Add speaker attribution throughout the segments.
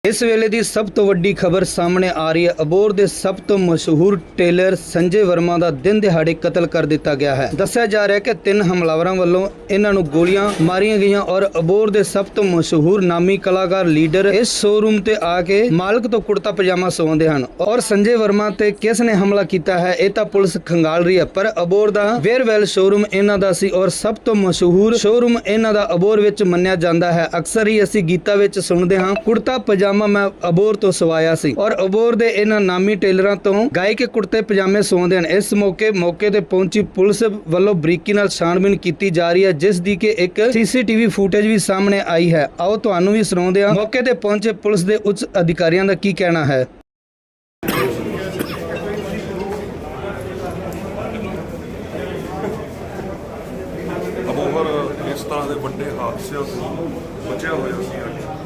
Speaker 1: इस वेले की सब तो वड्डी खबर सामने आ रही है। अबोर के सब तो मशहूर टेलर संजय वर्मा का दिन दिहाड़े कतल कर दिता गया है। दस्सिया जा रहा है कि 3 हमलावरों वालों इन्हां नूं गोलियां मारियां गईयां और अबोर के सब तो मशहूर नामी कलाकार लीडर इस शोरूम ते आके मालक तो कुर्ता पजामा सवाउंदे हन और संजय वर्मा ते किस ने हमला किया है यह तो पुलिस खंगाल रही है। पर अबोर का वेयरवेल शोरूम इन्हां दा सी और सब तो मशहूर शोरूम इन्हां दा अबोर विच मन्निया जाता है। अक्सर ही असीं गीतां विच सुणदे हां कुर्ता पजामा मैं अबोर तो सवाया सी और अबोर दे इन्हां नामी टेलरां तो गाय के कुर्ते पजामे सवाउंदे हन। इस मौके ते पहुंची पुलिस वालों बरीकी नाल छानबीन की जा रही है, जिस दी कि एक सीसीटीवी फुटेज भी सामने आई है। आओ तुहानूं भी सुणाउंदे हां मौके ते पहुंचे पुलिस दे उच्च अधिकारियों का की कहना है।
Speaker 2: अबोहर इस तरह के बड़े हादसों से बचा हुआ सी।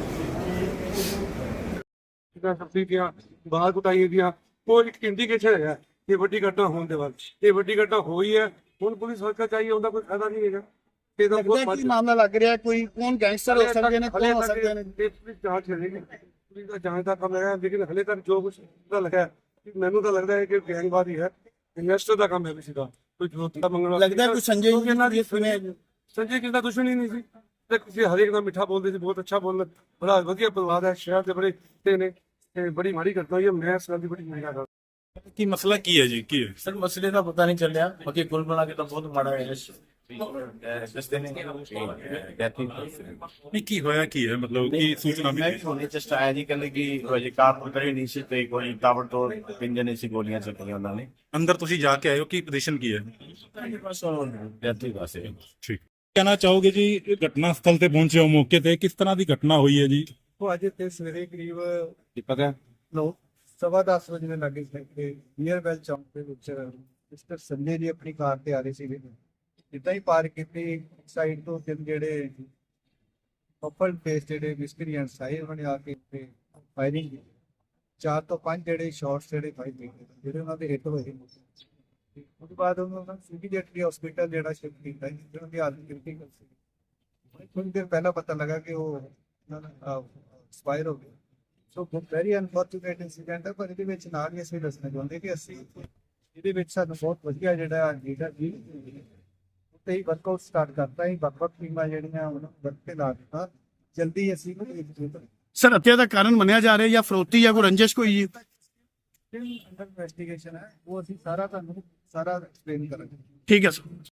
Speaker 3: बाहर कुटाई दिया वो एक इंडिकेशन है ये बड़ी घटना होने के बाद ये बड़ी घटना हुई है। ਹੁਣ ਪੁਲਿਸ ਹਲਕਾ ਚਾਹੀਏ ਉਹਦਾ ਕੋਈ ਫਾਇਦਾ ਨਹੀਂ ਹੈਗਾ। ਇਹਦਾ ਬਹੁਤ
Speaker 4: ਮਾਮਲਾ ਲੱਗ ਰਿਹਾ ਕੋਈ ਕੌਣ ਗੈਂਗਸਟਰ ਹੋ ਸਕਦੇ ਨੇ ਕੌਣ ਹੋ ਸਕਦੇ ਨੇ
Speaker 3: ਪੁਲਿਸ ਜਾਂਚ ਕਰੇਗੀ। ਪੁਲਿਸ ਦਾ ਜਾਂਚ ਦਾ ਕੰਮ ਹੈ ਲੇਕਿਨ ਹਲੇ ਤੱਕ ਜੋ ਕੁਝ ਪਤਾ ਲੱਗਾ ਮੈਨੂੰ ਤਾਂ ਲੱਗਦਾ ਹੈ ਕਿ ਗੈਂਗਵਾਦ ਹੀ ਹੈ। ਇਨਵੈਸਟਰ ਦਾ ਕੰਮ ਹੈ ਕਿਸੇ ਦਾ ਕੋਈ ਜੋਤਾ ਮੰਗਣਾ
Speaker 4: ਲੱਗਦਾ ਕੋਈ ਸੰਜੇ ਜੀ
Speaker 3: ਇਹਨਾਂ ਦੀ ਸੰਜੇ ਕਿਸੇ ਦਾ ਦੁਸ਼ਮਣ ਹੀ ਨਹੀਂ ਸੀ ਤੇ ਕਿਸੇ ਹਰੇਕ ਦਾ ਮਿੱਠਾ ਬੋਲਦੇ ਸੀ, ਬਹੁਤ ਅੱਛਾ ਬੋਲਦਾ, ਬੜਾ ਵਧੀਆ ਪਰਿਵਾਰ ਹੈ, ਸ਼ਹਿਰ ਦੇ ਬੜੇ ਤੇ ਨੇ ਤੇ ਬੜੀ ਮਾੜੀ ਘਟਨਾ ਹੋਈ ਹੈ। ਮੈਂ ਇਸ ਗੱਲ ਦੀ ਬੜੀ ਨਿੰਦਾ ਕਰਦਾ।
Speaker 5: ਕੀ ਮਸਲਾ ਕੀ ਹੈ ਜੀ? ਕੀ ਹੈ
Speaker 6: सर मसले का पता नहीं चल रहा, बाकी कुल मिला के तो बहुत माड़ा है। जिस दिन डेथ हुई
Speaker 5: ਨਹੀਂ ਕੀ ਹੋਇਆ ਕੀ ਹੈ ਮਤਲਬ ਕੀ ਸੂਚਨਾ
Speaker 6: मैं
Speaker 5: ਮਿਲੀ?
Speaker 6: भी होने चेस्ट आया जी कहते कि ये कार तो करी नहीं सी तो कोई ताबड़तोड़ पिंजन सी गोलियां चलियां उन्होंने
Speaker 5: ਅੰਦਰ ਤੁਸੀਂ ਜਾ ਕੇ ਆਏ ਹੋ, ਕੀ ਪੋਜੀਸ਼ਨ ਕੀ ਹੈ?
Speaker 6: बस डेथ हुई बस।
Speaker 5: ਠੀਕ ਕਹਿਣਾ ਚਾਹੋਗੇ ਜੀ ਘਟਨਾ ਸਥਲ ਤੇ ਪਹੁੰਚੇ ਹੋ, ਮੌਕੇ ਤੇ ਕਿਸ ਤਰ੍ਹਾਂ ਦੀ ਘਟਨਾ ਹੋਈ ਹੈ ਜੀ?
Speaker 3: ਉਹ ਅੱਜ ਤੇ ਸਵੇਰੇ ਕਰੀਬ ਪਤਾ 9:15 ਵਜੇ ਦੇ ਲੱਗੇ ਸੀ ਨੀਅਰ ਵੈਲ ਚੌਂਕ ਦੇ ਵਿੱਚ ਮਿਸਟਰ ਸੰਜੇ ਜੀ ਆਪਣੀ ਕਾਰ ਤੇ ਆ ਰਹੇ ਸੀਗੇ। ਜਿੱਦਾਂ ਹੀ ਪਾਰਕ ਕੀਤੀ ਸਾਈਡ ਤੋਂ ਤਿੰਨ ਜਿਹੜੇ ਪਰਪਲ ਫੇਸ ਜਿਹੜੇ ਮਿਸਕਰੀਐਂਟਸ ਆਏ ਉਹਨਾਂ ਨੇ ਆ ਕੇ ਫਾਇਰਿੰਗ ਕੀਤੀ। 4 ਤੋਂ 5 ਜਿਹੜੇ ਸ਼ਾਟਸ ਜਿਹੜੇ ਫਾਇਰ ਕੀਤੇ ਜਿਹੜੇ ਉਹਨਾਂ ਦੇ ਹਿੱਟ ਹੋਏ। ਉਸ ਤੋਂ ਬਾਅਦ ਉਹਨਾਂ ਨੂੰ ਇਮੀਡੀਏਟਲੀ ਹਸਪੀਟਲ ਜਿਹੜਾ ਸ਼ਿਫਟ ਕੀਤਾ ਜਿਹਨਾਂ ਦੀ ਹਾਲਤ ਕ੍ਰਿਟੀਕਲ ਸੀ। ਥੋੜੀ ਦੇਰ ਪਹਿਲਾਂ ਪਤਾ ਲੱਗਾ ਕਿ ਉਹ ਐਕਸਪਾਇਰ ਹੋ ਗਏ। ਸੋ ਵੈਰੀ ਅਨਫੋਰਚੂਨੇਟ ਇਨਸੀਡੈਂਟ ਹੈ। ਪਰ ਇਹਦੇ ਵਿੱਚ ਨਾਲ ਹੀ ਅਸੀਂ ਦੱਸਣਾ ਚਾਹੁੰਦੇ ਕਿ ਅਸੀਂ ਇਹਦੇ ਵਿੱਚ ਸਾਨੂੰ ਬਹੁਤ ਵਧੀਆ ਜਿਹੜਾ ਲੀਡਰ ਜੀ ਉੱਤੇ ਹੀ ਵਰਕਆਊਟ ਸਟਾਰਟ ਕਰਤਾ ਹੀ ਵੱਖ-ਵੱਖ ਟੀਮਾਂ ਜਿਹੜੀਆਂ ਉਹਨਾਂ ਵਰਕ ਤੇ ਲਾ ਦਿੱਤਾ। ਜਲਦੀ ਅਸੀਂ
Speaker 4: ਸਰ ਹੱਤਿਆ ਦਾ ਕਾਰਨ ਮੰਨਿਆ ਜਾ ਰਿਹਾ ਜਾਂ ਫਰੋਤੀ ਜਾਂ ਕੋਈ ਰੰਜਿਸ਼ ਕੋਈ ਜੀ?
Speaker 3: ਅੰਡਰ ਇਨਵੈਸਟੀਗੇਸ਼ਨ ਹੈ ਉਹ ਅਸੀਂ ਸਾਰਾ ਤੁਹਾਨੂੰ ਸਾਰਾ ਐਕਸਪਲੇਨ ਕਰਾਂਗੇ।
Speaker 4: ਠੀਕ ਹੈ ਸਰ।